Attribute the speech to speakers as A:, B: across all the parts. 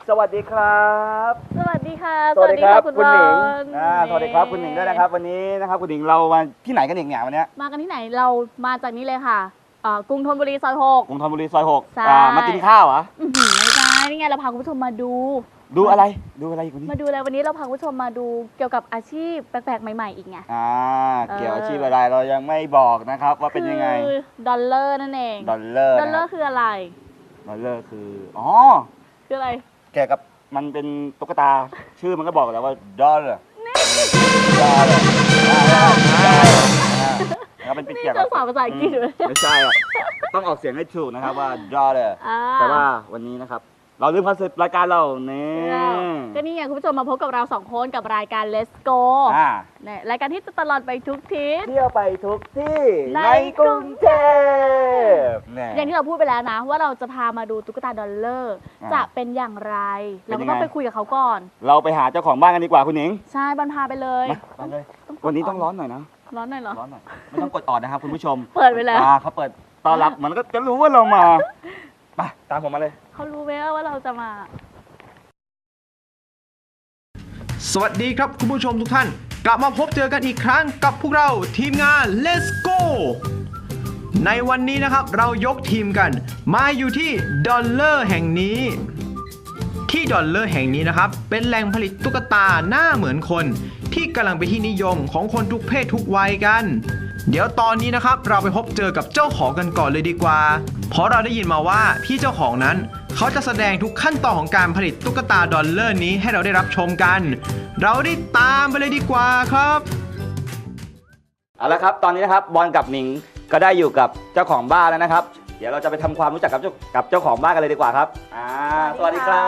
A: สวัสดีครับ
B: สวัสดีค่ะ
A: สวัสดีครับคุณหนิง
B: ส
A: สวัสดีครับคุณหนิงด้วยนะครับวันนี้นะครับคุณหนิงเรามาที่ไหนกันอีกเนี่ยวันนี้
B: มากันที่ไหนเรามาจากนี้เลยค่ะกรุงธนบุรีซอย
A: กรุงธนบุรีซอย
B: ใช่
A: 6มากินข้าวเหรอ
B: ไม่ใช่นี่ไงเราพาคุณผู้ชมมาดู
A: ดูอะไรอีกคุณนี่
B: มาดูอะไรวันนี้เราพาคุณผู้ชมมาดูเกี่ยวกับอาชีพแปลกๆใหม่ๆอีกไง
A: เกี่ยวอาชีพอะไรเรายังไม่บอกนะครับว่าเป็นยังไง
B: คือดอลเลอร์นั่นเอง
A: ดอลเลอร์
B: ดอลเลอร์คืออะไร
A: ดอลเลอร์คือ
B: คืออะไร
A: เกี่ยวกับมันเป็นตุ๊กตาชื่อมันก็บอกแล้วว่าดอลเลอร์แล้วเป็นเกี่ยวกับ
B: นี่ภาษาอังกฤษเลย
A: ไม่ใช่อ่ะต้องออกเสียงให้ถูกนะครับว่าดอลเลอร์
B: อ่า
A: แต่ว่าวันนี้นะครับเราลืมคอนเซ็ปต์รายการเราเนี่ย
B: ก็นี่ไงคุณผู้ชมมาพบกับเราสองคนกับรายการ Let's Go เนี่ยรายการที่จะตลอดไปทุกทิศ
A: เที่ยวไปทุกที่
B: ใน
A: ในกรุงเทพเนี่ย
B: อย่างที่เราพูดไปแล้วนะ ว่าเราจะพามาดูตุ๊กตาดอลเลอร์
A: อ่า
B: จะเป็นอย่างไร
A: เป็นยังไง
B: เราก็ต้องไปคุยกับเขาก่อน
A: เราไปหาเจ้าของบ้านกันดีกว่าคุณหนิง
B: ใช่บันพาไปเลย
A: มาเลยวันนี้ต้องร้อนหน่อยนะ
B: ร้อนหน่อยเหรอ
A: ร้อนหน่อยไม่ต้องกดออดนะครับคุณผู้ชม
B: เปิดไปแล้ว
A: เขาเปิดต้อนรับมันก็จะรู้ว่าเรามาไปตามผมมาเลย
B: เขารู้ไหมว่าเราจะมา
C: สวัสดีครับคุณผู้ชมทุกท่าน กลับมาพบเจอกันอีกครั้งกับพวกเราทีมงาน Let's Go ในวันนี้นะครับเรายกทีมกันมาอยู่ที่ดอลเลอร์แห่งนี้ ที่ดอลเลอร์แห่งนี้นะครับเป็นแหล่งผลิตตุ๊กตาหน้าเหมือนคนที่กำลังเป็นที่นิยมของคนทุกเพศทุกวัยกัน เดี๋ยวตอนนี้นะครับเราไปพบเจอกับเจ้าของกันก่อนเลยดีกว่า เพราะเราได้ยินมาว่าพี่เจ้าของนั้นเขาจะแสดงทุกขั้นตอนของการผลิตตุ๊กตาดอลเลอร์นี้ให้เราได้รับชมกัน เราได้ตามไปเลยดีกว่าครับ
A: เอาละครับตอนนี้นะครับบอลกับหนิงก็ได้อยู่กับเจ้าของบ้านแล้วนะครับ เดี๋ยวเราจะไปทำความรู้จักกับเจ้าของบ้านกันเลยดีกว่าครับสวัสดีครับ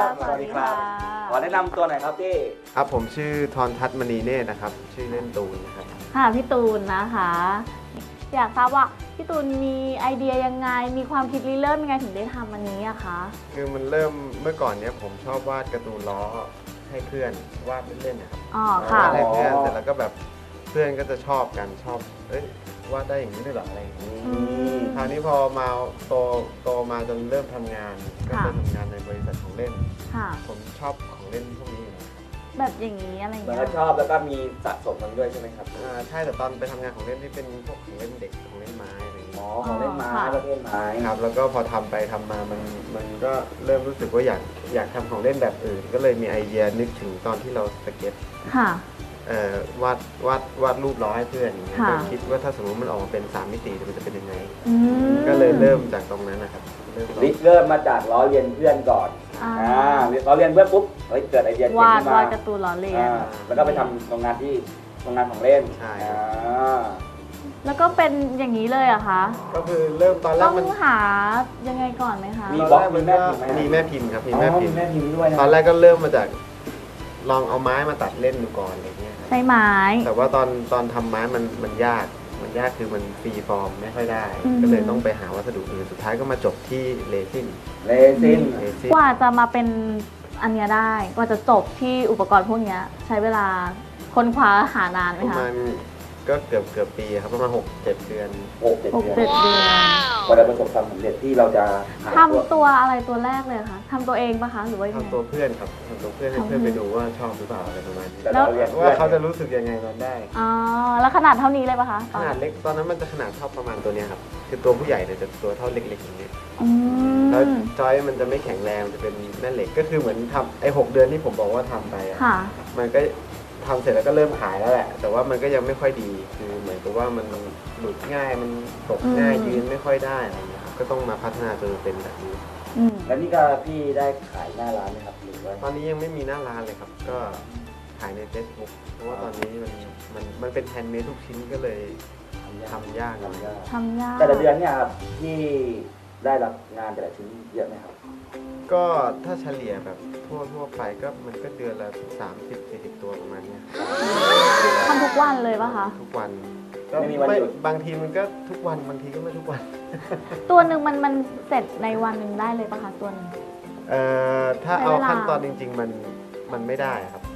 B: สวัสดีค่ะ
A: ขอแนะนำตัวหน่อยครับพี่
D: ครับผมชื่อทรทัศน์มณีเนตรนะครับชื่อเล่นตูนนะครับ
B: ค่ะพี่ตูนนะคะ อยากทราบว่าพี่ตูนมีไอเดียยังไง มีความคิดริเริ่มยังไงถึงได้ทำอันนี้อะคะ
D: คือมันเริ่มเมื่อก่อนเนี้ยผมชอบวาดการ์ตูนล้อให้เพื่อนวาดเล่นๆนะครับ
B: อ๋อค่ะ
D: วาดให้เพื่อนเสร็จแล้วก็แบบเพื่อนก็จะชอบกันชอบวาดได้อย่างนี้ด้วยเหรออะไรอย่างนี้
B: ม
D: คราวนี้พอมาโตมาจนเริ่มทำงานก็ไปทำงานในบริษัทของเล่น
B: ค่ะ
D: ผมชอบของเล่นพวกนี้อยู่แล้ว
B: แบบอย่างนี้อะไร
A: เหมือน
B: เงี้
A: กั
B: ย
A: บชอบแล้วก็มีสะสมมันด้วยใช่ไหมครับ
D: ใช่แต่ตอนไปทำงานของเล่นที่เป็นพวกของเล่นเด็กของเล่นไม้อะไรอย่างนี้
A: ของเล่นไม้ประเภทไม้
D: ครับแล้วก็พอทำไปทำมามันก็เริ่มรู้สึกว่าอยากทำของเล่นแบบอื่น ก็เลยมีไอเดียนึกถึงตอนที่เราสเก็ต
B: ค่ะ
D: วาดรูปล้อให้เพื่อนอย่างเงี้ย
B: ค่ะ
D: ก็คิดว่าถ้าสมมติมันออกมาเป็น3มิติมันจะเป็นยังไง
B: อืม
D: ก็เลยเริ่มจากตรงนั้นนะครับเริ่ม
A: ริเริ่มมาจากล้อเลียนเพื่อนก่อน
B: อ่า
A: ล้อเลียนเพื่อนปุ๊บเกิดไอเดียเจ๋ง
B: วาด
A: ขึ้นมาว
B: าดการ์ตูนล้อเลียน
A: แล้วก็ไปทำโรงงานของเล่น
D: ใช่
A: อ่า
B: แล้วก็เป็นอย่างนี้เลยเหรอะคะ
D: ก็คือเริ่มตอนแร
B: ต้
D: ก
B: อง
D: มัน
B: หายังไงก่อนไหมคะ
A: มี
D: ต
A: บล็
D: อ
A: อน ก
D: แรกมัน
A: มี
D: ก็
A: แม่พิมพ์ไหม
D: มีแม่พิมพ์ครับมี
A: อ๋อ
D: แม่พิมพ์
A: แม่พิมพ์ด้วยนะ
D: ตอนแรกก็เริ่มมาจากลองเอาไม้มาตัดเล่นดูก่อนอะไรเงี้ยครับ
B: ใช้ไม้
D: แต่ว่าตอนทำไม้มันยากคือมันฟรีฟอร์มไม่ค่อยได้
B: อืม
D: ก็เลยต้องไปหาวัสดุอื่นสุดท้ายก็มาจบที่เรซิน
A: เลซิน
B: กว่าจะมาเป็นอันเนี้ยได้ กว่าจะจบที่อุปกรณ์พวกเนี้ยใช้เวลาค้นคว้าหานานไหม
D: ประ
B: คะ
D: มาณก็เกือบปีครับประมาณ6-7 เดือน
B: 6-7 เดือน
A: กว่าจะประสบความสำเร็จที่เราจะหา
B: ทำตัวอะไรตัวแรกเลยคะทำตัวเองปะคะ หรือว่ายังไง
D: ทำตัวเพื่อนครับทำตัวเพื่อนให้เพื่อนไปดูว่าชอบหรือเปล่าอะไรประมาณนี้
A: แต่เราเรียน
D: ว่าเขาจะรู้สึกยังไงตอนได้
B: อ๋อ แล้วขนาดเท่านี้เลยปะคะ
D: ขนาดเล็กตอนนั้นมันจะขนาดเท่าประมาณตัวเนี้ยครับคือตัวผู้ใหญ่เนี่ยจะตัวเท่าเล็กๆอย่างนี้
B: อื
D: แล้ว
B: ม
D: จอยมันจะไม่แข็งแรงมันจะเป็นแม่เหล็กก็คือเหมือนทำไอ้6 เดือนที่ผมบอกว่าทำไปอะ
B: ค่ะ
D: มันก็ทำเสร็จแล้วก็เริ่มขายแล้วแหละ แต่ว่ามันก็ยังไม่ค่อยดีคือเหมือนกับว่ามันหลุดง่ายมันตกง่าย
B: อืม
D: ยืนไม่ค่อยได้อะไรเงี้ยครับก็ต้องมาพัฒนาจนเป็นแบบนี้
B: อืม
A: แล้วนี่ก็พี่ได้ขายหน้าร้านไหมครับหรือว่า
D: ตอนนี้ยังไม่มีหน้าร้านเลยครับ ก็ขายใน Facebook เพราะว่าตอนนี้มันเป็นแฮนด์เมดทุกชิ้นก็เลยทำยาก
A: ทำยาก
B: ทำยาก
A: แต่ละเดือนเนี่ยครับที่ได้รับงานแต่ละชิ้นเยอะไหมครับ
D: ก็ถ้าเฉลี่ยแบบทั่วไปก็มันก็เดือนละ30-40 ตัวประมาณเนี้ย
B: ทำทุกวันเลยปะคะ
D: ทุกวัน
A: ไม่มีวันหยุด
D: บางทีมันก็ทุกวันบางทีก็ไม่ทุกวัน
B: ตัวหนึ่งมันเสร็จในวันหนึ่งได้เลยปะคะตัวหนึ่ง
D: ถ้า
B: ใช้
D: เอา
B: เวลา
D: ขั้นตอนจริง ๆ มันไม่ได้ครับ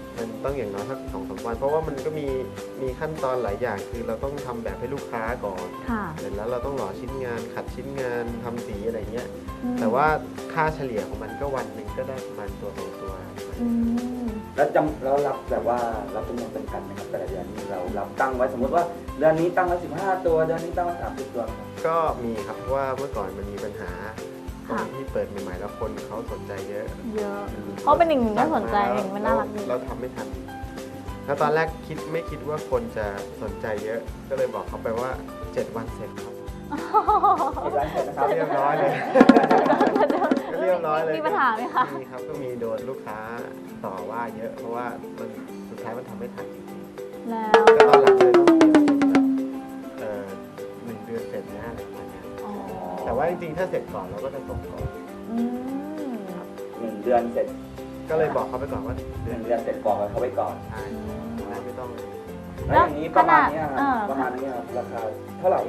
D: มันต้องอย่างน้อยสัก2-3 วันเพราะว่ามันก็มีขั้นตอนหลายอย่างคือเราต้องทำแบบให้ลูกค้าก่อน
B: ค่ะ
D: เสร็จแล้วเราต้องหล่อชิ้นงานขัดชิ้นงานทำสีอะไรเงี้ย
B: อืม
D: แต่ว่าค่าเฉลี่ยของมันก็วันหนึ่งก็ได้ประมาณตัว2 ตัว
B: อืม
A: แล้วรับแบบว่ารับจำนวนจำกัดไหมครับแต่ละเดือนนี่เรารับตั้งไว้สมมติว่าเดือนนี้ตั้งไว้15 ตัวเดือนนี้ตั้งไว้30 ตัวครับ
D: ก็มีครับเพราะว่าเมื่อก่อนมันมีปัญหาตอนที่เปิดใหม่ๆแล้วคนเขาสนใจเยอะ
B: เยอะ เพราะเป็นหนึ่งน่าสนใจหนึ่งมันน่ารักดี
D: เราทำไม่ทัน แล้วตอนแรกไม่คิดว่าคนจะสนใจเยอะ ก็เลยบอกเขาไปว่า 7 วันเสร็จครับ
A: ที่ร้านเสร็จนะครับ
D: เรียบร้อยเลย เรียบร้อยเลย
B: มีปัญหาไหมคะ
D: มีครับก็มีโดนลูกค้าต่อว่าเยอะเพราะว่ามันสุดท้ายมันทำไม่ทันจริง
B: แล้ว
D: ๆก็ตอนหลังเลยต้องเปลี่ยนเป็นแบบ1 เดือนเสร็จนะอะไรประมาณเนี้ย
B: อ๋อ
D: แต่ว่าจริงๆถ้าเสร็จก่อนเราก็จะส่งก่อน
B: อืม
A: 1 เดือนเสร็จ
D: ก็เลยบอกเขาไปก่อนว่า
A: 1 เดือนเสร็จบอกกันเขาไว้ก่อน
D: ใช่ไม่ต้อง
A: แล้วอย่างนี้ประมาณเนี้ยค
B: เอ
A: รับ
B: อ
A: ประมาณนี้ครับราคาเท่าไหร่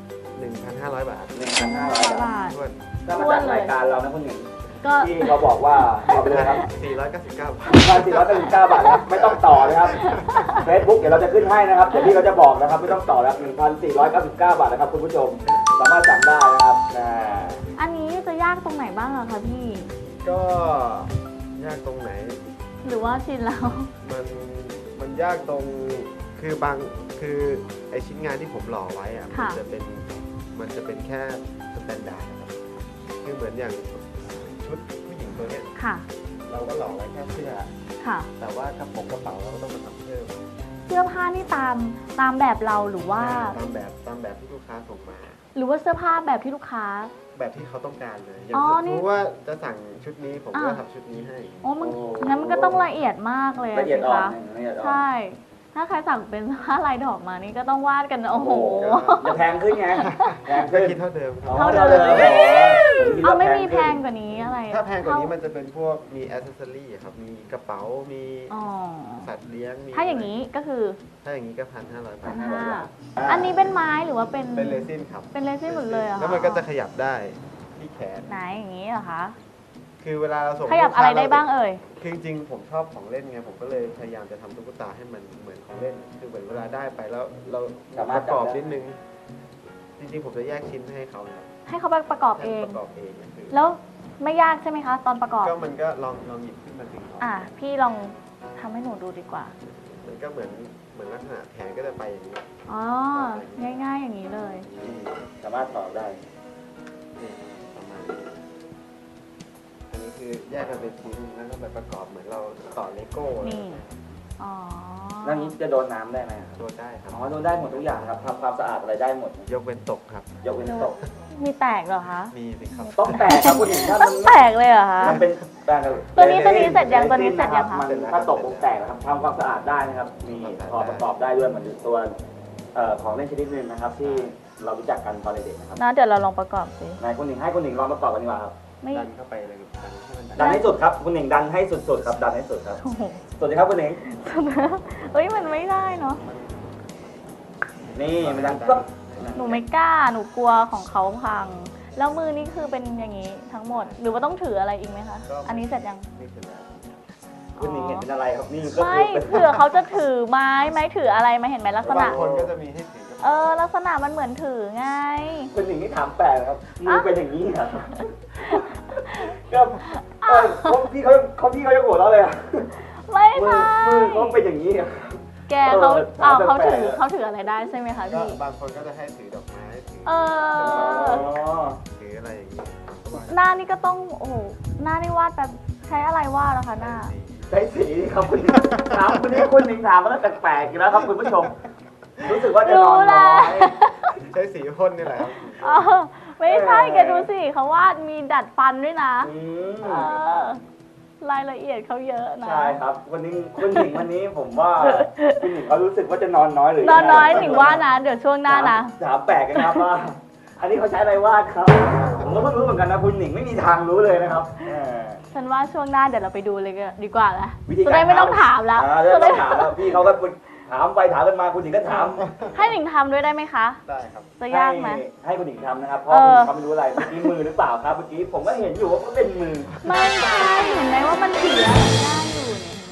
D: 1,500 บาท
A: 1,500 บาท
D: ทวน
A: ถ้ามาจากรายการเรานะคุณหญิง
B: ก็
A: ที่เขาบอกว่าเอาไปเลยครับ
D: 499 บาท
A: 1,499 บาทนะครับไม่ต้องต่อนะครับ Facebook เดี๋ยวเราจะขึ้นให้นะครับเดี๋ยวพี่เขาจะบอกนะครับไม่ต้องต่อแล้ว1,499 บาทนะครับคุณผู้ชมสามารถสั่งได้นะครับ
B: อันนี้จะยากตรงไหนบ้างอะคะพี่
D: ก็ยากตรงไหน
B: หรือว่าชินแล้ว
D: มันยากตรงคือไอชิ้นงานที่ผมหล่อไว้อะมัน
B: ค่ะ
D: จะเป็นแค่สแตนดาร์ดนะครับคือเหมือนอย่างชุดผู้หญิงตัวเนี้ย
B: ค่ะ
D: เราก็หล่อไว้แค่เสื้อ
B: ค่ะ
D: แต่ว่ากระเป๋าเราก็ต้องมาทำเพิ่ม
B: เสื้อผ้านี่ตามแบบเราหรือว่า
D: ตามแบบที่ลูกค้าส่งมา
B: หรือว่าเสื้อผ้าแบบที่ลูกค้า
D: แบบที่เขาต้องการเลยอย่าง
B: อ๋อ
D: สม
B: นี่
D: มติว่าจะสั่งชุดนี้ผมก็
B: อ่ะ
D: ทำชุดนี้ให้
B: โอ้มันงั้นมันก็ต้องละเอียดมากเลย
A: ละเอียด
B: สิ
A: อ่อน
B: คะ
A: ละเอียดอ่อน
B: ใช่ ถ้าใครสั่งเป็นผ้าลายดอกมานี่ก็ต้องวาดกันโอ้โห
A: จะแพงขึ้นไงแพง
D: ก็
A: ขึ้น
D: คิดเท่าเดิมครับ
B: เท่าเดิม
A: อ๋อ
B: เอาไม่มีแพงกว่านี้อะไร
D: ถ้าแพงกว่านี้มันจะเป็นพวกมีอ c เซสซอรี่ครับ มีกระเป๋า มี
B: อ๋อ
D: สัตว์เลี้ยง มี
B: ถ้าอย่างนี้ก็คือ
D: ถ้าอย่างนี้ก็1,500 บาท
B: 1,500อันนี้เป็นไม้หรือว่าเป็น
D: เป็นเรซินครับ
B: เป็นเรซินหมดเลยเหรอคะ
D: แล้วมันก็จะขยับได้ที่แขน
B: ไหนอย่างนี้เหรอคะ
D: คือเวลาเราส่ง
B: ขยับอะไรได้บ้างเอ่ย
D: คือจริงๆผมชอบของเล่นไง ผมก็เลยพยายามจะทำตุ๊กตาให้มันเหมือนของเล่น คือเหมือนเวลาได้ไปแล้วเราประกอบนิดนึง จริงๆผมจะแยกชิ้นให้เขานะ
B: ให้เขาประกอบเอง
D: ประกอบเองนะคือ
B: แล้วไม่ยากใช่ไหมคะ ตอนประกอบ
D: ก็มันก็ลองหยิบขึ้นมาดึงออก
B: พี่ลองทำให้หนูดูดีกว่า
D: มันก็เหมือนลักษณะแขนก็จะไปอย่างนี้
B: อ๋อ ง่ายๆอย่างนี้เลย
A: สามารถต่อได้
D: นี่ประมาณนี้อันนี้คือแยกกันเป็นชิ้นแล้วก็ไปประกอบเหมือนเราต่อเลโก้
B: นี่ อ๋อ
A: แล้วนี้จะโดนน้ำได้ไหมครับ
D: ตัวได้ครับ
A: อ๋อโดนได้หมดทุกอย่างครับทำความสะอาดอะไรได้หมด
D: ยกเว้นตกครับ
A: ยกเว้นตก
B: มีแตกเหรอคะ
D: มีสิครับ
A: ต้องแตกครับคุณหญิงถ้า
B: ต้
A: มั
B: อน งแตกเลยเหรอคะ
A: มันเป็นแตก
B: ตัวนี้เสร็จยังตัวนี้เสร็จยังคะ
A: มันถ้าตกผมแตกนะครับทำความสะอาดได้นะครับ มีพอประกอบได้ด้วยเหมือนตัวของเล่นชนิดหนึงนะครับ ที่เรารู้จักกันตอนเด็กๆนะครับ
B: นะเดี๋ยวเราลองประกอบสิ
A: นายคุณหญิงให้คุณหญิงลองประกอบกันดีกว่าครับ
B: ไม่
D: ดันเข้าไปเลยดันให้มัน
A: ดันให้สุดครับคุณหญิงดันให้สุดๆครับดันให้สุดครับ
B: โอ้โห
A: สวัสดีครับคุณหญิง
B: เฮ้ยมันไม่ได้เนาะ
A: นี่มันดันปึ๊บ
B: หนูไม่กล้า หนูกลัวของเขาพัง แล้วมือนี่คือเป็นอย่างนี้ทั้งหมด หรือว่าต้องถืออะไรอีกไหมคะ อันนี้เสร็จยัง
D: นี่คือแล้ว
A: คุณหญิงเห็นเป็นอะไรครับนี่ก็
B: ไม่
A: คือเป็น
B: เผื่อเขาจะถือไม้ไหมถืออะไรไหมเห็นไหมลักษณะ
D: บางคนก็จะมีให้ถือกับ
B: ลักษณะมันเหมือนถือไง
A: คุณหญิงนี่ถามแปลกนะครับมือเป็นอย่างนี้ครับก็พี่เขาจะโกรธเราเลยอะ
B: ไม่
A: มือ
B: ใช่
A: เขาเป็นอย่างนี้อะ
B: แกเขา
A: ถามแปลกๆ
B: เขาถืออะไรได้ใช่ไหมคะ
D: ก็
B: พี่
D: บางคนก็จะให้ถือดอกไม้ถือ
B: เออ
D: ถืออะไรอย่างนี้
B: หน้านี่ก็ต้อง โอ้โห หน้านี่วาดแบบใช้อะไรวาดนะคะหน้า
A: ใช้สีครับคุณถามคุณนี่คุณหญิงถามมาแล้วแปลกๆอีกแล้วครับคุณผู้ชม รู้สึกว่าจะนอนน้อย
D: ใช้สีพ่นนี่แหละครับ
B: อ๋อไม่ใช่แกดูสิเขาวาดมีดัดฟันด้วยนะ
A: อืม
B: เออ รายละเอียดเขาเยอะนะ
A: ใช่ครับวันนี้คุณหญิงวันนี้ผมว่าคุณหญิงเขารู้สึกว่าจะนอนน้อยหรือน
B: อนน้อยหนิงว่านะ เดี๋ยวช่วงหน้านะ
A: ถามแปลกกันนะครับว่า อันนี้เขาใช้อะไรวาดครับ ผมก็เพิ่งรู้เหมือนกันนะคุณหญิงไม่มีทางรู้เลยนะครับ
B: ฉันว่าช่วงหน้าเดี๋ยวเราไปดูเลยดีกว่านะ
A: วิธีการ
B: จะได้ไม่ต้องถามแล้ว
A: จะได้ไม่ต้องถามแล้วพี่เขาก็ถามไปถามกันมาคุณหญิงก็ถาม
B: ให้หนิงทำด้วยได้ไหมคะ
D: ได้ครับ
B: จะยากไหม
A: ให้คุณหญิงทำนะครับเพราะคุณหญิงเขาไม่รู้อะไรเมื่อกี้มือหรือเปล่าครับเมื่อกี้ผมก็เห็นอยู่ว่ามันเป็นมือ
B: ไม่ใช่เห็นไหมว่ามันถืออะไรได้อยู่เนี่ยเห็นไหมเนี่ย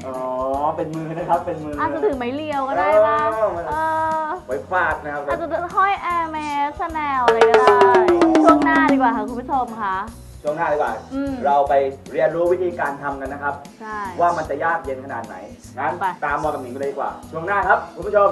A: อ๋อเป็นมือนะครับเป็นมือ
B: อาจจะถือไม้เรียวก็ได้ป่ะ
A: ไว้ฟาดนะครับ
B: อาจจะห้อยแอร์เมสชาแนลอะไรก็ได้ ช่วงหน้าดีกว่าค่ะคุณผู้ชมค่ะ
A: ช่วงหน้าดีกว่า เราไปเรียนรู้วิธีการทำกันนะครับ
B: ใช่
A: ว่ามันจะยากเย็นขนาดไหน งั้น
B: ไป
A: ตามบอลกับหนิงไปเลยดีกว่า ช่วงหน้าครับคุณผู้ชม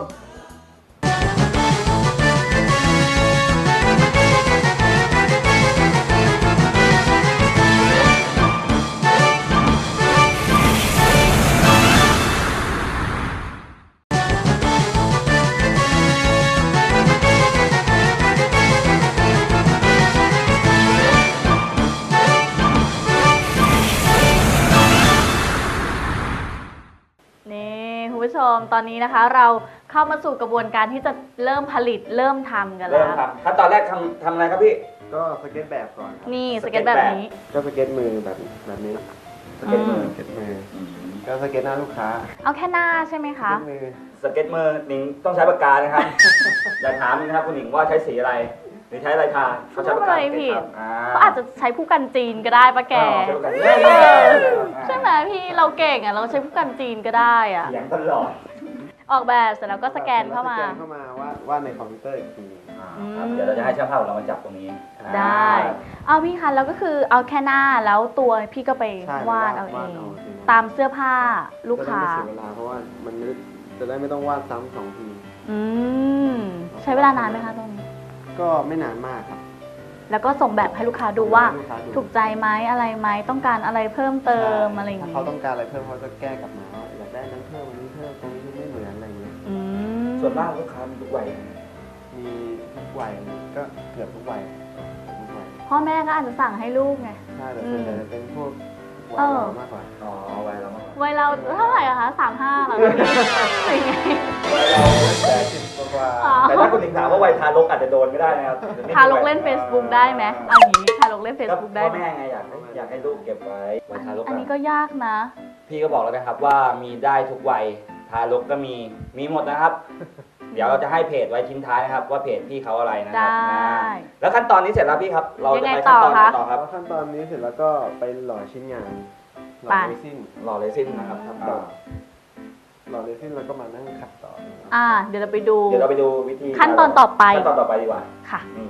B: นี่คุณผู้ชมตอนนี้นะคะ เราเข้ามาสู่กระบวนการที่จะเริ่มผลิตเริ่มทำกัน
A: เริ่
B: แล้
A: ม
B: ว
A: ครับขั้นตอนแรกทำอะไรครับพี่
D: ก็สเก็ตแบบก่อนครับ
B: นี่สเก็ตแบบนี้
D: ก็สเก็ตมือแบบนี้
A: สเก็ตมือ
D: สเก็ตมือก็สเก็ตหน้าลูกค้า
B: เอาแค่หน้าใช่ไหม
D: ส
B: คะ
D: เก็ตมือ
A: สเก็ตมือหนิงต้องใช้ปากกานะครับ อย่าถามนะครับคุณหนิงว่าใช้สีอะไรหรือใช้อะไรทาเขาใช้ปากกา
B: ไม่ผิด
A: ครับ
B: ก็อาจจะใช้ผู้กันจีนก็ได้ปะแก
A: ใช้ปากกา
B: ใช่ไหมพี่เราเก่งอ่ะเราใช้ผู้กันจีนก็ได้อ่ะ
A: เสียงตลอด
B: ออกแบบเสร็จแล้วก็สแกนเข้ามา
D: สแกนเข้ามาว่าในคอมพิวเตอร์อีกที
A: ครับเดี๋ยวเราจะให้ช่างภาพของเรามาจับตรงนี้
B: ได้ เอาพี่คะแล้วก็คือเอาแค่หน้าแล้วตัวพี่ก็ไป
D: ใช่
B: วาดเอาเอง
D: ที
B: ตามเสื้อผ้าลูกค้า
D: จะได้ไม่เสียเวลาเพราะว่ามันจะได้ไม่ต้องวาดซ้ำสองที
B: อืมใช้เวลานานไหมคะตรงนี้
D: ก็ไม่นานมากครับ
B: แล้วก็ส่งแบบให้ลูกค้าดูว่า
D: ให้ลูกค้าดู
B: ถูกใจไหมอะไรไหมต้องการอะไรเพิ่มเติมอะไรอย่าง
D: ถ้า
B: งี้
D: เขาต้องการอะไรเพิ่มเขาจะแก้กลับมาว่าอยากได้นั้นเพิ่มอันนี้เพิ่มตรงนี้ไม่เหมือนอะไรอย่างเงี้ย
B: อืม
A: ส่วนมากลูกค้ามีทุกวัย
D: มีทุกวัยก็เกือบทุกวัยทุกวัย
B: พ่อแม่ก็อาจจะสั่งให้ลูกไง
D: ใช่แต่ส่วนใหญ่จะเป็นพวกวัย
B: เออ
D: เรามากกว่า
A: อ๋อวัยเรามากกว่า
B: วัยเราเท่าไหร่อะคะ35เหรอพี่หรือไง
A: วัยเรา80กว่า
B: อ๋อ
A: แต่ถ้าคุณหนิงถามว่าวัยทารกอาจจะโดนก็ได้นะครับ
B: ทารกเล่น Facebook ได้ไหมเอาอย่างนี้ทารกเล่น Facebook ได้
A: พ่อ
B: ไหม
A: แม่ไงอยากให้ลูกเก็บไว้วัยทารก
B: อันนี้ก็ยากนะ
A: พี่ก็บอกแล้วนะครับว่ามีได้ทุกวัยทารกก็มีหมดนะครับ เดี๋ยวเราจะให้เพจไว้ทิ้งท้ายนะครับว่าเพจพี่เขาอะไรนะครั
B: ได้
A: แล้วขั้นตอนนี้เสร็จแล้วพี่ครับ เราจะไป
B: ยังไง
A: ขั้นตอนไหน
B: ต่อคะ
A: ต่อครับ
D: แล้วขั้นตอนนี้เสร็จแล้วก็ไปหล่อชิ้นงานหล่อ
B: ไป
D: เรซิน
A: หล่อเลซินนะครับ
D: ครับ
A: อ่า
D: หล่อเรซินแล้วก็มานั่งขัดต่อ
B: เดี๋ยวเราไปดู
A: เดี๋ยวเราไปดูวิธี
B: ขั้นตอนต่อไป
A: ขั้นตอนต่อไปดีกว่า
B: ค่ะ
A: อืม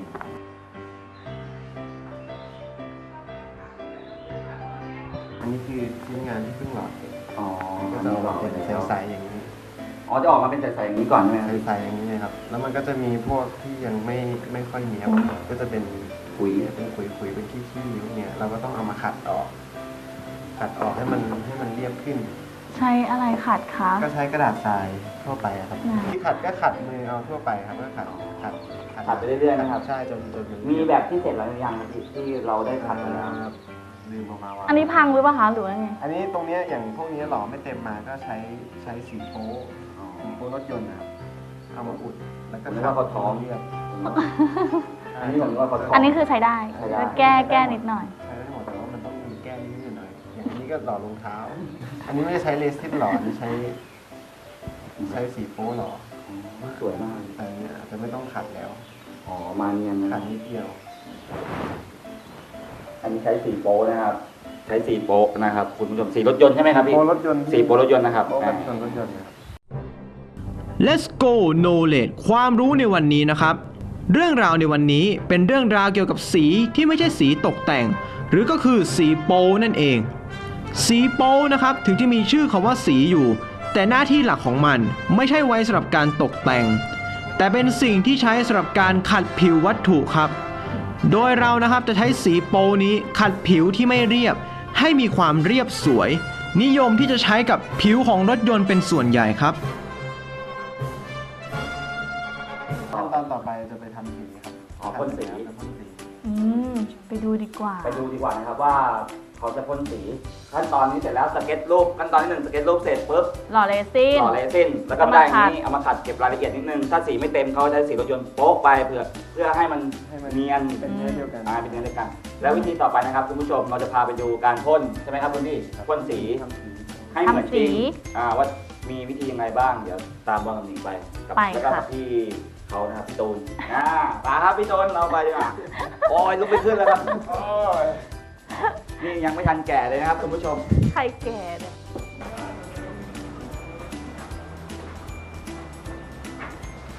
D: อันนี้คือชิ้นงานที่เพิ่งหล่อเสร็จ
A: อ๋อ
D: ก็จะออกมาเป็นใสๆอย่างนี้
A: อ๋อจะออกมาเป็นใสๆอย่างนี้ก่อนใช่ไหมครับ
D: ใสๆอย่างนี้นะครับ แล้วมันก็จะมีพวกที่ยังไม่ค่อยเนี้ยบก็จะเป็น
A: ปุ๋ย
D: เป็นขุยๆเป็นขี้ๆพวกเนี้ยเราก็ต้องเอามาขัดออกให้มันเรียบขึ้น
B: ใช้อะไรขัดคะ
D: ก็ใช้กระดาษทรายทั่วไปอะครับ
B: ไหน
D: ที่ขัดก็ขัดมือเอาทั่วไปครับก็ขัด
A: ขัดไปเรื่อยๆนะครับ
D: ใช่จนมัน
A: มีแบบที่เสร็จแล้วหรือยังครับที่เราได้ขัดมาแล้ว
D: ลืมออกมาว่า
B: อันนี้พังหรือเปล่าคะหรือว่าไง
D: อันนี้ตรงเนี้ยอย่างพวกนี้หล่อไม่เต็มมาก็ใช้สีโป๊รถยนต์นะครับเอามาอุดแล้วก็
A: ผมนึกว่าเขาท้อง
D: เรียบ
A: อันนี้ผมนึกว่าเขาท้อง
B: อันนี้คือใช้ได้
A: ใช้ได้
B: ก็แก้นิดหน่อย
D: ใช้ได้หมดแต่ว่ามันต้องมีแก้นิดหน่อยอย่างอันนี้ก็หล่อรองเท้า อันนี้ไม่ได้ใช้เลซินหล่ออันนี้ใช้สีโป๊หล่อ
A: สวยมาก
D: แต่อันเนี้ยอาจจะไม่ต้องขัดแล้ว
A: อ๋อมาเนียนนะค
D: ขั
A: รั
D: ด
A: บ
D: นิดเดียว
A: อันนี้ใช้สีโป๊นะครับ ใช้สีโป๊นะครับคุณผู้ชมสีรถยนต์ใช่ไหมครับพี่
D: โป๊รถยนต์
A: สีโป๊รถยนต์นะครับ
D: โป๊รถยนต์นะครับ
C: Let's go knowledge ความรู้ในวันนี้นะครับ เรื่องราวในวันนี้เป็นเรื่องราวเกี่ยวกับสีที่ไม่ใช่สีตกแต่ง หรือก็คือสีโป๊นั่นเอง สีโป๊นะครับถึงจะมีชื่อคำว่าสีอยู่ แต่หน้าที่หลักของมันไม่ใช่ไว้สำหรับการตกแต่ง แต่เป็นสิ่งที่ใช้สำหรับการขัดผิววัตถุครับ โดยเรานะครับจะใช้สีโป๊นี้ขัดผิวที่ไม่เรียบ ให้มีความเรียบสวย นิยมที่จะใช้กับผิวของรถยนต์เป็นส่วนใหญ่ครับ
D: ขั้นตอนต่อไปจะไปทำสีครับ
A: อ๋อพ่นสี
D: จะพ่นสี
B: ไปดูดีกว่า
A: ไปดูดีกว่านะครับว่าเขาจะพ่นสี ขั้นตอนนี้เสร็จแล้วสเก็ตรูปขั้นตอนที่1สเก็ตรูปเสร็จปุ๊บ
B: หล่อเรซิน
A: ต่อเลซินแล้วก็ได้อย่างนี้
B: เอามาขัด
A: เอามาขัดเก็บรายละเอียดนิดนึงถ้าสีไม่เต็มเขาใช้สีรถยนต์โป๊ะไปเพื่อให้มันเนียน
D: เป็นเนื้อเดียวกัน
A: เป็นเนื้อเดียวกัน แล้ววิธีต่อไปนะครับคุณผู้ชมเราจะพาไปดูการพ่นใช่ไหมครับคุณพี่พ่นสี
D: ทำสี
A: ให้เหมือนจริง
B: ทำสี
A: ว่ามีวิธียังไงบ้างเดี๋ยวตามบอลกับหนิงไปกัแล้วก็กับพี่เขานะครับพี่ตูนมาครับพี่ตูนเราไปดีกว่าโอ้ยลุกไปขึ้นแล้วครับโอ้ยนี่ยังไม่ทันแก่เลยนะครับคุณผู้ชม
B: ใครแก่เนี่ย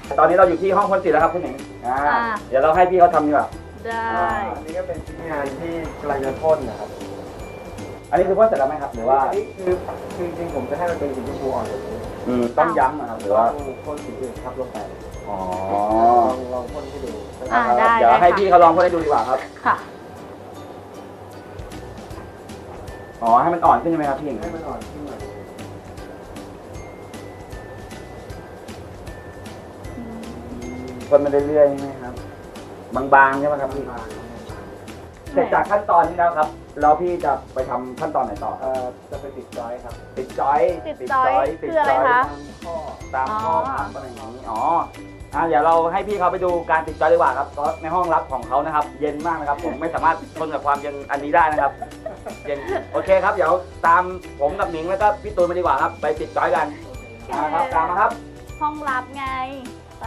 A: ตอนนี้เราอยู่ที่ห้องพ่นสีแล้วครับคุณหนิงเดี๋ยวเราให้พี่เขาทำดีกว่า
B: ได้
D: อันนี้ก็เป็นชิ้นงานที่กำลังจะพ่นนะครับ
A: อันนี้คือพ่นเสร็จแล้วไหมครับหรือว่า
D: อันนี้คือจริงๆผมจะให้มันเป็นสีชมพูอ่อนแบบนี้
A: ต้องย้ำนะครับหรือว่า
D: ต้องพ่นสีอื่นทับลงไป
A: อ๋อ
D: ลองพ่นให้ดู
B: ได้
A: เดี๋ยว
B: ได้
A: ให้
B: ค่ะ
A: พี่เขาลองพ่นให้ดูดีกว่าครับ
B: ค่ะ
A: อ๋อให้มันอ่อนขึ้นใช่ไหมครับพี่หนิง
D: ให้มันอ่อนขึ้นหน่อย
A: พ่นมาเรื่อยๆใช่ไหมครับบางๆใช่ไหมครับพี่
D: บาง
A: เสร็จจากขั้นตอนนี้แล้วครับแล้วพี่จะไปทำขั้นตอนไหนต่อครับ
D: จะไปติดจอยครับ
A: ติดจอย
B: ติดจอยคืออะไรคะ
D: ข้อ
A: ตามข้อครับอะไรอย่างนี้อ๋อเดี๋ยวเราให้พี่เขาไปดูการติดจอยดีกว่าครับเพราะในห้องรับของเขานะครับ เย็นมากนะครับ ผมไม่สามารถทนกับความเย็นอันนี้ได้นะครับ เย็นโอเคครับ เดี๋ยวตามผมกับหนิงแล้วก็พี่ตูนมาดีกว่าครับ ไปติดจอยกันครับตามมาครับ
B: ห้องรับไง ไป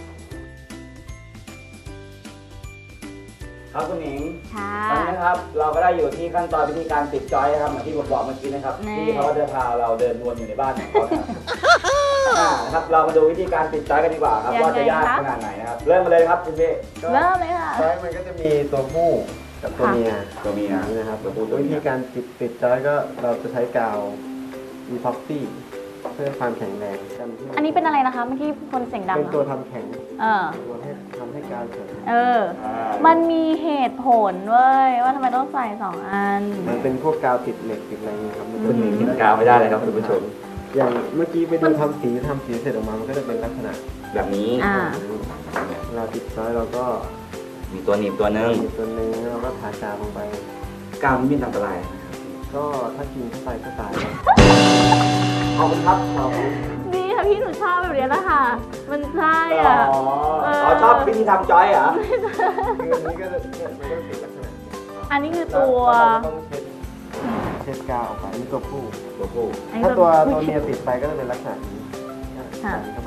A: ครับคุณหนิง
B: ค่ะ
A: ตอนนี้นะครับเราก็ได้อยู่ที่ขั้นตอนวิธีการติดจอยนะครับเหมือนที่ผมบอกเมื่อกี้นะครับ
B: นี่
A: ที่เขาจะพาเราเดินวนอยู่ในบ้านของเขานะครับนะครับเรามาดูวิธีการติดจอยกันดีกว่าครับว่าจะยากขนาดไหนนะครับเริ่มมาเลยครับคุณพี่
B: เริ่มเลยค่ะ
D: จอยมันก็จะมีตัวผู้กับตัวเมีย
A: ตัวเมีย
D: นี่นะครับ
A: ตัวผู้ตัว
D: วิ
A: เมี
D: ธี
A: ย
D: การติดจอยก็เราจะใช้กาวอีพ็อกซี่เพื่อความแข็งแรงกันที่
B: อันนี้เป็นอะไรนะคะ เมื่อกี้คนเสียงดัง
D: เป็น
B: อะ
D: ตัวทำแข็ง
B: ตัว
D: ให้ทำให้กาวแข็ง
B: มันมีเหตุผลเว้ย ว่าทำไมต้องใส่สองอัน
D: มันเป็นพวกกาวติดเหล็กติดอะไรเงี้ยครับ
A: คุณหนิงกินกาวไม่ได้เลยครับคุณผู้ชม
D: อย่างเมื่อกี้ไปดูทำสีเสร็จออกมามันก็จะเป็นลักษณะ
A: แบบนี้
D: เราติดจอยเราก็
A: มีตัวหนีบตัวนึง
D: มีตัวนึงแล้วเราก็ทากาวลงไป
A: กาวนี้มีอันตราย
D: ก็ถ้ากินเข้าไปก็ตายแล้ว
A: ขอบคุณครับขอบคุณ
B: นี่ค่ะพี่หนูชอบแบบนี้นะคะ มันใช่
A: อ๋
B: อ่ะ
A: อชอบวิธีทำจอยเหรอ
D: คืออันนี้ก็จะเนี่ยมันก็ติดลักษณะนี้
B: อันนี้คือตัว
D: เราต้องเช็ดกาวออกไปอันนี้ตัวผู้
A: ตัวผู้
B: อันนี้
D: ถ้าตัวเมียติดไปก็จะเป็นลักษณะนี้
B: ค่ะ
D: ใส่เข้าไป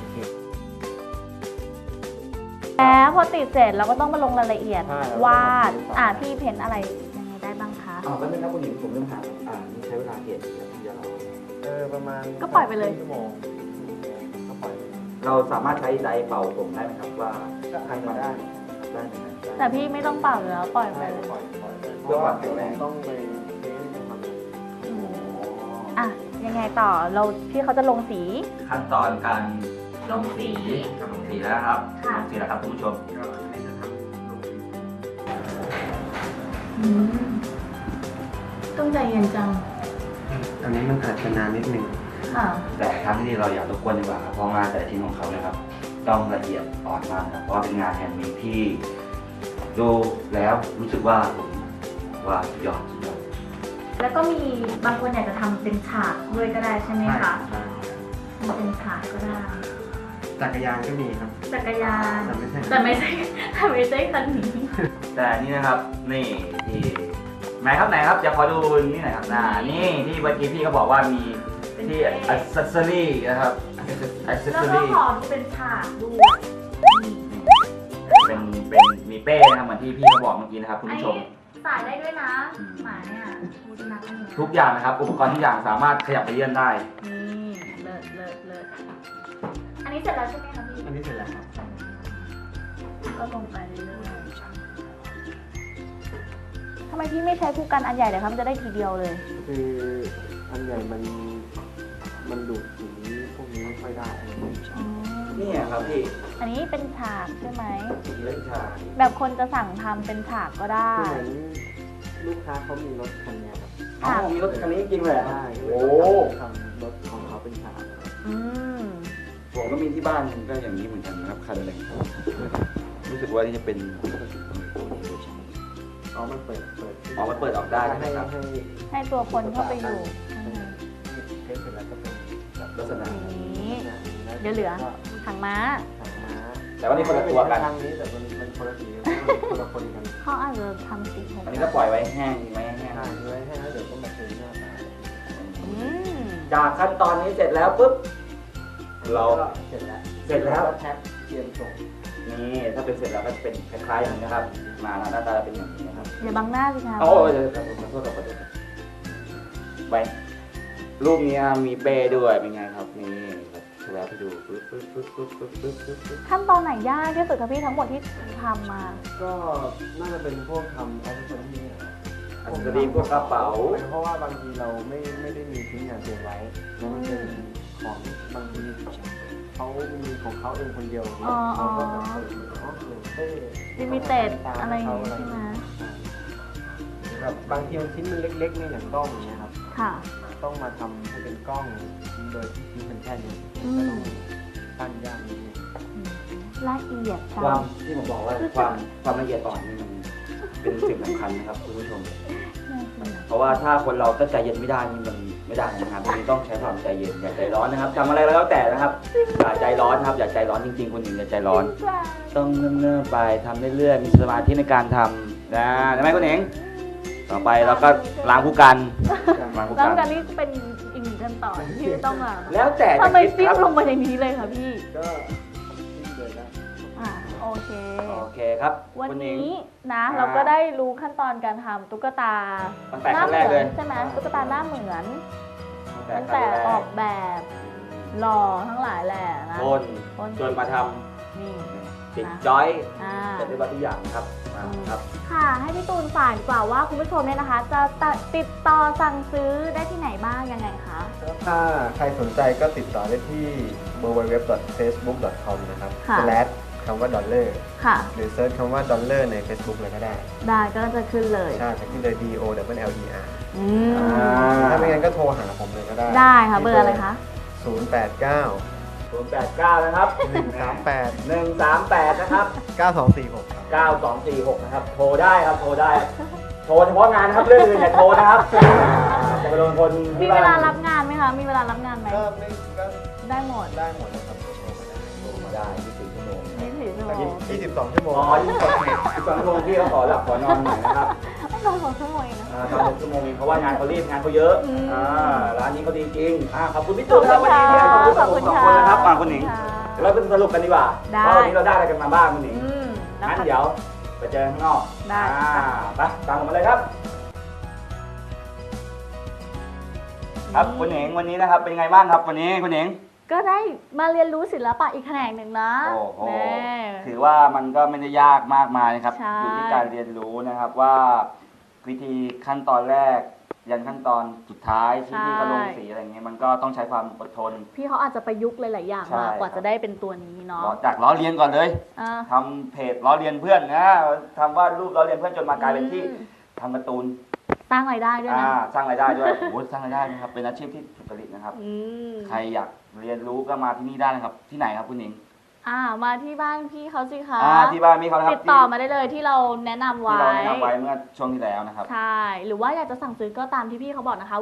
B: แล้วพอติดเสร็จเราก็ต้องมาลงรายละเอียด
D: ใช่
B: วาด พี่เพ้นอะไรยังไงได้บ้างคะ
A: แล้วเป็นครับคุณหญิงผมเริ่มถามนี่ใช้เวลาเขียนนาทีเรา
D: ประมาณ
B: ก็ปล่อยไปเลย
D: ชั่วโมงก็ปล่อยไป
A: เราสามารถใช้ไดร์เป่าผมได้ไหมครับว่า
D: ก็ทำมาได้
A: ได้ไหมครับ
B: แต่พี่ไม่ต้องเป่าแล้วปล่อยไป
D: ใช่
B: เลย
D: ปล่อยไป
A: เพื่อความแข็งแรง
D: ต้องไปเทสทำ
B: อืมอ่ะ ยังไงต่อ พี่เขาจะลงสี
A: ขั้นตอนการ
B: ลงสี
A: ลงสีแล้วครับ
B: ค่ะ
A: ลงสีแล้วครับคุณผู้ชม
B: ต้องใจเย็นจัง
D: อันนี้มันอาจจะนานนิดนึง
B: ค่ะ
A: แต่ครั้งที่เราอยากรบกวนดีกว่าครับเพราะงานแต่ละชิ้นของเขานะครับต้องละเอียดอ่อนมากครับเพราะว่าเป็นงานแฮนด์เมดที่ดูแล้วรู้สึกว่าผมว่าสุดยอด
B: แล้วก็มีบางคนอยากจะทำเป็นฉากด้วยก็ได้ใช่ไหมคะทำเป็นฉากก็ได้
D: จักรยานก็มีครับ
B: จักรยาน
D: แต่ไม่ใช่
B: แต่ไม่ใช่แต่ไม่ใช่คันนี้
A: แต่นี่นะครับนี่ที่ไหนครับจะขอดูนี่หน่อยครับนี่ที่เมื่อกี้พี่เขาบอกว่ามีที่อัซเซอรี่นะครับอัซเซ
B: แล้ว
A: อ
B: ก็
A: รี่
B: ขอเป็นฉากด้วย
A: เป็นมีเป้นะครับเหมือนที่พี่เขาบอกเมื่อกี้นะครับคุณ
B: อัน
A: ผู้ช
B: นี้
A: ม
B: ใส่ได้ด้วยนะ หมาเนี่ยสุนัขอันนี้
A: ทุกอย่างนะครับอุปกรณ์ทุกอย่างสามารถขยับไปเยื่อนได้
B: นี่เลิศเลิศเลิศอันนี้เสร็จแล้วใช่ไหมคะพี่
D: อันนี้เสร็จแล้วครับ
B: ก็ลงไปเรื่อยๆทำไมพี่ไม่ใช้คู่กันอันใหญ่เลยครับมันจะได้ทีเดียวเลย
D: คืออันใหญ่มันดูดสีพวกนี้ไม่ค่อยได้
A: นี่ครับพี่
B: อันนี้เป็นฉากใช่ไหม
A: เล่นชา
B: แบบคนจะสั่งทำเป็นฉากก็ได้
D: คือเหมือนลูกค้าเขามีรถคันเนี้ยครับ
A: อ๋อมีรถคันนี้จริงเลยเหรอ
D: ใช่
A: โอ้
D: ทำรถของเขาเป็นฉาก
B: อืม
A: ผมก็มีที่บ้านก็อย่างนี้เหมือนกันนะครับคันอะไรรู้สึกว่านี่จะเป็น
D: อ๋อมันเปิด
A: อ๋อมันเปิดออกได้ใช่ไหม
D: ให้
A: ครับ
B: ให้ตัวคนเข้าไปอยู่
D: เทสเสร็จแล้วก็เป็นแบบ
A: ลักษณะ
B: นี้เดี๋ยวเหลือหางม้า
D: หางม้า
A: แต่ว่านี่คนละตัวกัน
D: ทางนี้แต่มันคนละสีคนละคนกัน
B: เขาอาจจะทำสีผม
A: อันนี้ก็ปล่อยไว้แห้งไว้แห้ง
D: ทางไว้ให้แล้วเดี๋ยวก็มาเทหน้าตา
B: อืม
A: จากขั้นตอนนี้เสร็จแล้วปุ๊บเรา
D: เสร็จแล้ว
A: เสร็จแล้ว
D: แพ็คเตรียมส่ง
A: นี่ถ้าเป็นเสร็จแล้วก็เป็นคล้ายๆอย่างนี้นะครับ มาหน้าตาเป็นอย่างนี้นะครับ
B: อย่าบังหน้าสิคะ
A: โอ้ยเดี๋ยวขอโทษขอโทษไปรูปนี้มีเป้ด้วยเป็นไงครับนี่ครับแล้ว
D: ให้ดูปึ๊บปึ๊บปึ๊บปึ๊บปึ๊บปึ๊บปึ๊บปึ๊บ
B: ขั้นตอนไหนยากที่สุดคะพี่ทั้งหมดที่ทำมา
D: ก็น่าจะเป็นพวกทำแอคเซสซอรี่
A: อันนี้พวกกระเป๋า
D: เพราะว่าบางทีเราไม่ได้มีชิ้นงานเตรียมไว้แล้วมันเป็นของบางทีเขามีของเขาเองคนเดียว
B: อ๋อ
D: เราก็แบบเต้
B: ลิมิเต็ดอะไรอย่างงี้ใช่ไหม
D: แบบบางทีมันชิ้นมันเล็กๆเนี่ยอย่างกล้องอย่างเงี้ยครับ
B: ค่ะ
D: ต้องมาทำให้เป็นกล้องโดยที่ชิ้นมันแค่นี้
B: อืม
D: ก็ต้องตั้งยากนิดนึง
B: ละเอียดจั
A: ความ
B: ง
A: ที่ผมบอกว่าความละเอียดอ่อนนี่มันเป็นสิ่งสำคัญนะครับคุณผู้ชม เพราะว่าถ้าคนเราถ้าใจเย็นไม่ได้นี่มันไม่ได้นะครับทีนี้ต้องใช้ความใจเย็นอย่าใจร้อนนะครับทำอะไรแล้วแต่นะครับอย่าใจร้อนครับอย่าใจร้อนจริงๆคุณหญิงอย่าใจร้อน ต้องเนิ่มๆไปทำเรื่อยๆมีสมาธิในการทำนะได้ไหมคุณหญิงต่อไปเราก็ล้างผู้กันล้างผู้
B: แล้ว
A: กัน
B: การนี้เป็นอีกหนึ่งขั้นตอนที่ต้องอ่ะ
A: แล้วแต่
B: ทำไม
A: จะคิ
B: จิ้
A: ด
B: ม
A: ครับ
B: ลงมาอย่างนี้เลยคะพี่
D: ก็ยิ่งเลยนะ
B: อ่าโอเค
A: โอเคครับ
B: วัน
A: คุณหญิง
B: นี้นะ
A: อ่า
B: เราก็ได้รู้ขั้นตอนการทำตุ๊กตา
A: ตั้งแต่
B: ห
A: ค
B: น้า
A: รั้ง
B: เห
A: แร
B: มื
A: กเลย
B: ใช่ไหมตุ๊กตาหน้าเหมือน
A: ตั้
B: ตั้
A: ง
B: ง
A: แต่
B: แต่
A: ครั้งแร
B: ออกแบบหล่อทั้งหลายแหละนะ
A: ทนจนมาท
B: นี่
A: ำติดจอย
B: อ่า
A: เสร็จเรียบร้อยทุกอย่างนะครับครับ
B: ค่ะให้พี่ตูนฝากดีกว่าว่าคุณผู้ชมเนี่ยนะคะ จะติดต่อสั่งซื้อได้ที่ไหนบ้างยังไงคะ
D: ถ้าใครสนใจก็ติดต่อได้ที่ www.facebook.com นะครับ
B: ค่ะ
D: / คำว่าดอลลาร์
B: ค่ะ
D: หรือเซิร์ชคำว่าดอลลาร์ใน Facebook เลยก็ได้
B: ได้ก็จะขึ้นเลย
D: ใช่จะขึ้นเลย DOLLER
B: อืม
D: ถ้าไม่งั้นก็โทรหาผมเลยก็ได้
B: ได้ค่ะเบอร์อะไรคะ
D: 089
A: 089 นะครับ
D: 138
A: 138 นะครับ
D: 9246ครับ
A: 9246 นะครับ โทรได้ครับ โทรได้ โทรเฉพาะงานนะครับ เรื่องอื่นอย่าโทรนะครับจะไปโดนคน
B: มี
A: ที่
B: เว
A: บ้า
B: ลาน รับงานไหมคะ มีเวลารับงานไหม
D: ก็
B: ได้หมด
D: ได้หมดนะครับโทรมาได้
A: โทรมาได้24 ชั่วโมง
B: 24 ชั่วโมง
D: 22 ชั่วโมง
A: อ๋อ22 ชั่วโมงพี่เขาขอหลับขอนอนหน่อยนะครับ
B: นอน2 ชั่วโมงเองนะ
A: ตอน6 ชั่วโมงเองเพราะว่างานเขารีบงานเขาเยอะ
B: อืม
A: ร้านนี้เขาดีจริงขอบคุณพี่ตูนครับวันนี้ที่ให้ความรู้กับผมสองคนนะครับคุณหนิง เดี๋ยวเราไปสรุปกันดีกว่า
B: ได้
A: ว่าวันนี้เราได้อะไรกันมาบ้างคุณหนิง
B: อืมแล้ว
A: งั้น
B: ค่ะ
A: เดี๋ยวไปเจอข้างนอก
B: ได้
A: ไปตามผมมาเลยครับ ครับคุณหนิงวันนี้นะครับเป็นไงบ้างครับวันนี้คุณหนิง
B: ก็ได้มาเรียนรู้ศิลปะอีกแขนงหนึ่งนะ
A: โอ้โห
B: แน่
A: ถือว่ามันก็ไม่ได้ยากมากมายนะครับ
B: ใช่
A: อยู่ที่การเรียนรู้นะครับว่าวิธีขั้นตอนแรก ยันขั้นตอนสุดท้ายที่พี่เขาลงสีอะไรเงี้ยมันก็ต้องใช้ความอดทน
B: พี่เขาอาจจะประยุกต์หลาย ๆ อย่าง
A: ใช่
B: มากว่า
A: ครับ
B: จะได้เป็นตัวนี้เนาะ
A: จากล้อเลียนก่อนเลย
B: อ่า
A: ทำเพจล้อเลียนเพื่อนนะทำวาดรูปล้อเลียนเพื่อนจนมากลายเป็นที่ทำการ์ตูน
B: สร้างรายได้ด้วยนะ
A: สร้างรายได้ด้วยโอ้โหสร้างรายได้นะครับเป็นอาชีพที่สุจริตนะครับ
B: อืม
A: ใครอยากเรียนรู้ก็มาที่นี่ได้นะครับ ที่ไหนครับคุณหนิง
B: มาที่บ้านพี่เขาสิคะ
A: ที่บ้านมีเขานะครับ
B: ติดต่อมาได้เลยที่เราแนะนำ
A: ที่
B: ไว้
A: เราแนะนำไว้เมื่อช่วงที่แล้วนะครับ
B: ใช่ หรือว่าอยากจะสั่งซื้อก็ตามที่พี่เขาบอกนะคะ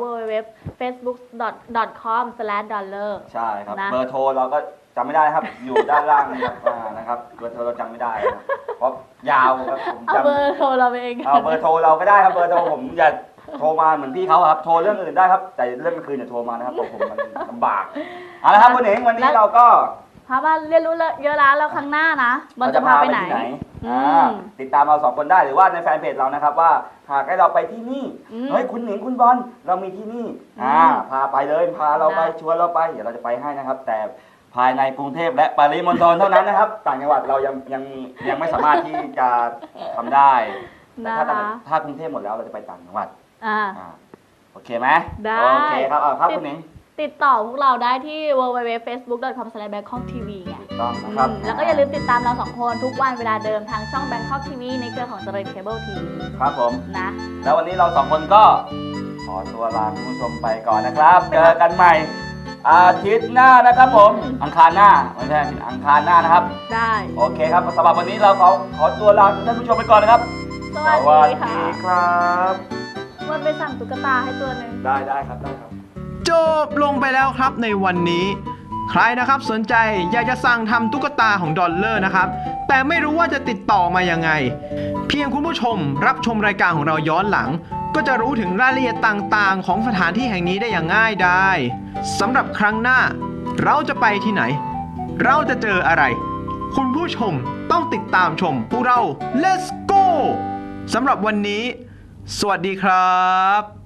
B: www.facebook.com/dollar
A: ใช่ครับ
B: นะ
A: เบอร์โทรเราก็จำไม่ได้นะครับ อยู่ด้านล่างนะครับนะครับเบอร์โทรเราจำไม่ได้นะครับเพราะยาวครับผม
B: เอา
A: จำ
B: เบอร์โทรเราไปเอง
A: เอาเบอร์โทรเราก็ได้ครับเบอร์โทรผมอย่าโทรมาเหมือนพี่เขาครับโทรเรื่องอื่นได้ครับ แต่เรื่องกลางคืนอย่าโทรมานะครับผมมันลำบากเอาละครับคุณหนิงวันนี้เราก็
B: พามาเรียนรู้เยอะแล้วครั้งหน้านะมันจะพาไปไหน
A: ที่
B: อืม
A: ติดตามเรา2 คนได้หรือว่าในแฟนเพจเรานะครับว่าหากให้เราไปที่นี่
B: อืม
A: เฮ้ยคุณหนิงคุณบอลเรามีที่นี่ พาไปเลยพาเราไป
B: ได้
A: ชวนเราไปเดี๋ยวเราจะไปให้นะครับ แต่ภายในกรุงเทพและปริมณฑลเท่านั้นนะครับ ต่างจังหวัดเรายังไม่สามารถที่จะทำได้แต่
B: นะ
A: ถ้ากรุงเทพหมดแล้วเราจะไปต่างจังหวัด
B: อ่า
A: โอเคไหม
B: ได้
A: โอเคครับครับคุณหนิง
B: ติดต่อพวกเราได้ที่ www.facebook.com/bangkoktv ไง
A: ถูกต้องนะครับ
B: แล้วก็อย่าลืมติดตามเรา2 คนทุกวันเวลาเดิมทางช่อง Bangkok TV ในเครือของเจริญเคเบิลทีวี
A: ครับผม
B: นะ
A: แล้ววันนี้เรา2 คนก็ขอตัวลาคุณผู้ชมไปก่อนนะครับ เจอกันใหม่อาทิตย์หน้านะครับผมอังคารหน้าไม่ใช่อาทิตย์อังคารหน้านะครับ
B: ได้
A: โอเคครับสำหรับวันนี้เราขอตัวลาท่านผู้ชมไปก่อนนะครับ
B: สวัส
A: สวัส
B: ดีค่ะ
A: ดีครับ
B: วันไปสั่งตุ๊กตาให้ตัวหนึ่ง
A: ได้ครับได้ครับ
C: จบลงไปแล้วครับในวันนี้ ใครนะครับสนใจอยากจะสั่งทำตุ๊กตาของดอลลาร์นะครับ แต่ไม่รู้ว่าจะติดต่อมายังไง เพียงคุณผู้ชมรับชมรายการของเราย้อนหลัง ก็จะรู้ถึงรายละเอียดต่างๆ ของสถานที่แห่งนี้ได้อย่างง่ายดายสำหรับครั้งหน้า เราจะไปที่ไหน เราจะเจออะไร คุณผู้ชมต้องติดตามชมพวกเรา Let's go สำหรับวันนี้ สวัสดีครับ